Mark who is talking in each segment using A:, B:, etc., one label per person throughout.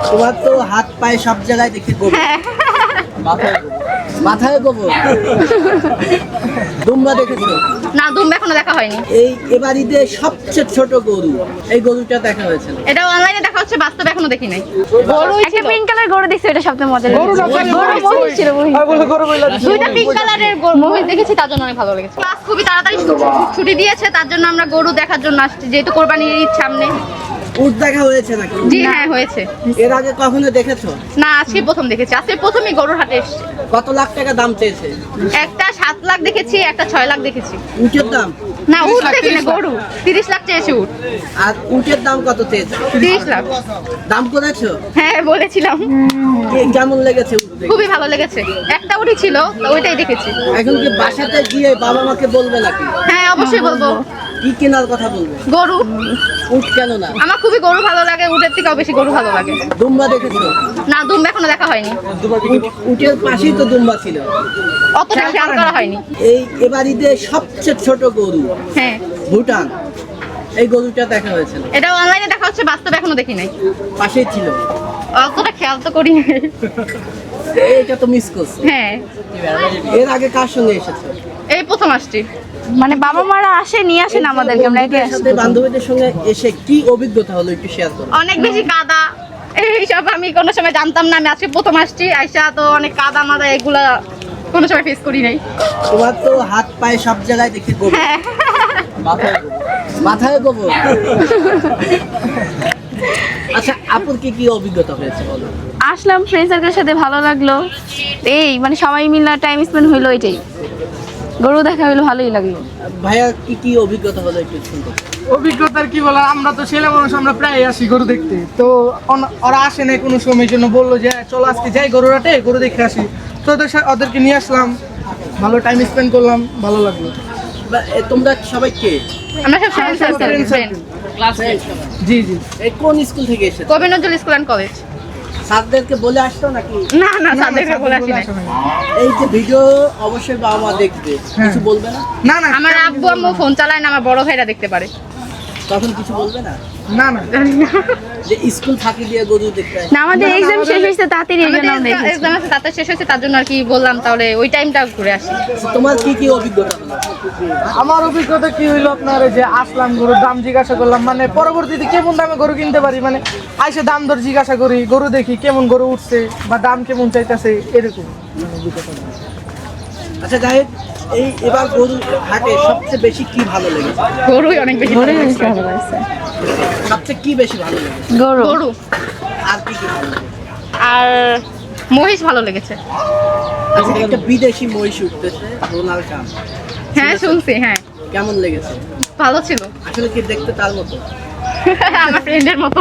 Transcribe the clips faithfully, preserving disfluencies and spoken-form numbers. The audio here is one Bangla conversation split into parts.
A: তোমার তো হাত পায়ে সব জায়গায় দেখি গোবর। মাথায় গোবর। মাথায় গোবর। দুম্বা দেখেছো?
B: না, দুম্বা এখনো দেখা হয়নি।
A: এই এবার ঈদে সবচেয়ে ছোট গরু, এই গরুটা দেখা হয়েছে।
B: এটা অনলাইনে দেখা হচ্ছে, বাস্তবে এখনো দেখি নাই।
C: গরু একটা পিঙ্ক কালার গরু দেখছি, এটা সবচেয়ে মজা
D: গরু না,
C: লেগেছে।
D: গরু
C: গরু মহিষ ছিল, মহিষ।
D: আর বলে গরু বইলা দিছে।
B: দুইটা পিঙ্ক কালারের গরু মহিষ দেখেছি, তার জন্য অনেক ভালো লেগেছে। ক্লাস খুবই তাড়াতাড়ি ছুটি- ছুটি দিয়েছে, তার জন্য আমরা গরু দেখার জন্য আসছি, যেহেতু কোরবানির ঈদ সামনে।
A: উট দেখা হয়েছে নাকি?
B: জি হ্যাঁ, হয়েছে।
A: এর আগে কখনো দেখেছো?
B: না, আজকে প্রথম দেখেছি, আজকে প্রথমই গরুর হাটে এসেছে।
A: কত লাখ টাকা দাম চেয়েছে?
B: একটা সাত লাখ দেখেছি, একটা ছয় লাখ দেখেছি।
A: উটের দাম?
B: না, উট দেখি না, গরু তিরিশ লাখ চেয়েছে উট।
A: আর উটের দাম কত চেয়েছে?
B: তিরিশ লাখ।
A: দাম করেছো?
B: হ্যাঁ, বলেছিলাম।
A: কে- কেমন লেগেছে উট দেখে?
B: খুবই ভালো লেগেছে। একটা উটই ছিল, তো ওইটাই দেখেছি।
A: এখন কি বাসাতে গিয়ে বাবা মাকে বলবে নাকি?
B: হ্যাঁ, অবশ্যই বলবো।
A: কি কেনার কথা বলবে?
B: গরু।
A: উট কেন না?
B: আমার খুবই গরু ভালো লাগে, উটের থেকেও বেশি গরু ভালো লাগে।
A: দুম্বা দেখেছো?
B: না, দুম্বা এখনো দেখা হয়নি।
A: উট- উটের পাশেই তো দুম্বা ছিল।
B: অতটা খেয়াল করা হয়নি।
A: এই এবার ঈদে সবচেয়ে ছোট গরু,
B: হ্যাঁ,
A: ভুটান, এই গরুটা দেখা হয়েছে।
B: এটা অনলাইনে দেখা হচ্ছে, বাস্তবে এখনো দেখি নাই।
A: পাশেই ছিল।
B: অতটা খেয়াল তো করি নাই।
A: এটা তো মিস করছো।
B: হ্যাঁ,
A: এর আগে কার সঙ্গে এসেছো?
B: এই প্রথম আসছি।
C: মানে বাবা মারা আসে, নিয়ে আসেন আমাদেরকে, আমরা একে
A: বন্ধুদের সাথে বান্ধবীদের সঙ্গে এসে কি অভিজ্ঞতা হলো একটু শেয়ার করো।
B: অনেক বেশি কাদা, এইসব আমি কোনো সময় জানতাম না। আমি আজকে প্রথম আসছি, আইসা তো অনেক কাদা মাদা এগুলা কোনো সময় ফেস করি নাই।
A: তোমার তো হাত পায়ে সব জায়গায় দেখি গোবর।
B: হ্যাঁ,
A: মাথায় গোবর। মাথায় গোবর। আচ্ছা, আপুর কি কি অভিজ্ঞতা হয়েছে বলো?
C: আসলাম, ফ্রেন্ড সার্কেলের সাথে ভালো লাগলো। এই মানে সবাই মিলে টাইম স্পেন্ড হইলো, এটাই। গরু দেখা হইলো, ভালোই লাগলো।
A: ভাইয়া কি কি অভিজ্ঞতা হলো একটু শুনতে?
D: অভিজ্ঞতার কি বলার, আমরা তো ছেলে মানুষ, আমরা প্রায় আসি গরু দেখতে। তো অন- ওরা আসে না কোনো সময়ের জন্য, বললো যে চলো আজকে যাই গরু হাটে, গরু দেখে আসি। তো ওদের সা- ওদেরকে নিয়ে আসলাম, ভালো টাইম স্পেন্ড করলাম, ভালো লাগলো।
A: বা- এ, তোমরা সবাই কে?
B: আমরা সব ফ্রেন্ড সার্কেল।
D: Friend circle। জি জি।
A: এই কোন স্কুল থেকে এসেছো?
B: Kabi Nazrul school and college.
A: স্যারদেরকে বলে আসতো নাকি?
B: না না, তাদেরকে বলে আসি নাই।
A: এই যে ভিডিও অবশ্যই বাবা মা দেখবে, কিছু বলবে না?
D: না না
B: আমার আব্বু আম্মু ফোন চালায় না, আমার বড় ভাইরা দেখতে পারে।
A: তখন কিছু বলবে না
D: না না
A: যে স্কুল ফাঁকি দিয়ে গরু দেখতে আসে?
C: না, আমাদের এক্সাম শেষ হয়েছে তাড়াতাড়ি, এই জন্য আমরা এসেছি।
B: এক্সাম আছে, তাতে শেষ হয়েছে, তার জন্য আর কি বললাম তাহলে ওই টাইমটা ঘুরে আসি।
A: তোমার কি কি অভিজ্ঞতা হলো?
D: আমার অভিজ্ঞতা কি হইলো, আপনার এই যে আসলাম, গরুর দাম জিজ্ঞাসা করলাম, মানে পরবর্তীতে কেমন দামে গরু কিনতে পারি, মানে আইসে দাম দর জিজ্ঞাসা করি, গরু দেখি কেমন গরু উঠছে বা দাম কেমন চাইতেছে, এরকম।
A: আচ্ছা যাই হোক, এই এবার গরু হাটে সবচেয়ে বেশি কি ভালো লেগেছে?
B: গরুই অনেক বেশি ভালো
C: গরুই
B: লেগেছে।
C: বেশি ভালো লাগছে।
A: সবচেয়ে কি বেশি ভালো লেগেছে?
C: গরু।
B: গরু
A: আর কি কি ভালো লেগেছে?
B: আর মহিষ ভালো লেগেছে।
A: আচ্ছা, একটা বিদেশি মহিষ উঠতেছে, ডোনাল্ড ট্রাম্প,
B: হ্যাঁ, শুনছি। হ্যাঁ,
A: কেমন লেগেছে?
B: ভালো ছিল।
A: আসলে কি দেখতে তার মতো?
B: আমার ফ্রেন্ডের মতো।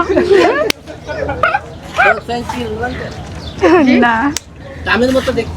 A: তোর friend কি রোনাল্ডো?
C: না,
A: ট্রাম্পের মতো দেখতে?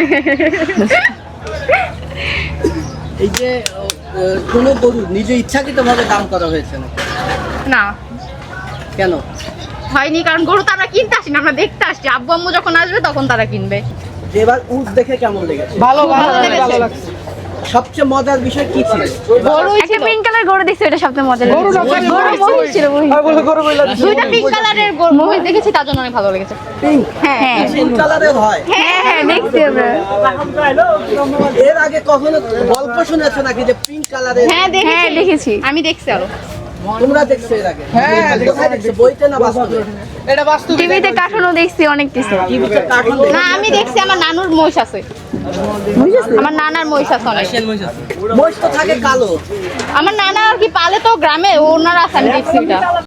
A: এই যে আহ, কোনো গরু নিজে ইচ্ছাকৃত ভাবে দাম করা হয়েছে না
B: না,
A: কেন?
B: হয়নি, কারণ গরু তো আমরা কিনতে আসি না, আমরা দেখতে আসছি। আব্বু আম্মু যখন আসবে তখন তারা কিনবে।
A: যে এবার উট দেখে কেমন লেগেছে?
D: ভালো ভালো
B: ভালো লেগেছে।
D: ভালো লাগছে।
A: সবচেয়ে মজার বিষয় কি ছিল?
B: গরু
C: একটা পিঙ্ক কালার গরু দেখছি, এটা সবচেয়ে মজা
D: গরু না,
C: লেগেছে।
D: গরু
C: গরু মহিষ ছিল, মহিষ।
D: আর বলে গরু বইলা দিছে।
B: দুইটা পিঙ্ক কালারের গরু মহিষ দেখেছি, তার জন্য অনেক ভালো লেগেছে।
A: পিঙ্ক?
B: হ্যাঁ
A: পিঙ্ক কালারের হয়?
C: হ্যাঁ হ্যাঁ, দেখছি আমরা।
A: এর আগে কখনো গল্প শুনেছো নাকি যে পিঙ্ক কালারের?
B: হ্যাঁ
C: হ্যাঁ, দেখেছি।
B: আমি দেখছি আরো।
A: তোমরা দেখছো এর আগে?
D: হ্যাঁ,
A: কোথায় দেখছো? বইতে না বাস্তবে?
D: এটা বাস্তব।
C: টিভিতে কার্টুনও দেখছি, অনেক কিছু।
A: টিভিতে কার্টুন
B: না, আমি দেখছি, আমার নানুর মহিষ আছে। আমার নানার মহিষ আছে অনেক।
A: মহিষ তো থাকে কালো।
B: আমার নানা আর কি পালে তো গ্রামে, ওনার আছে, আমি দেখছি এটা।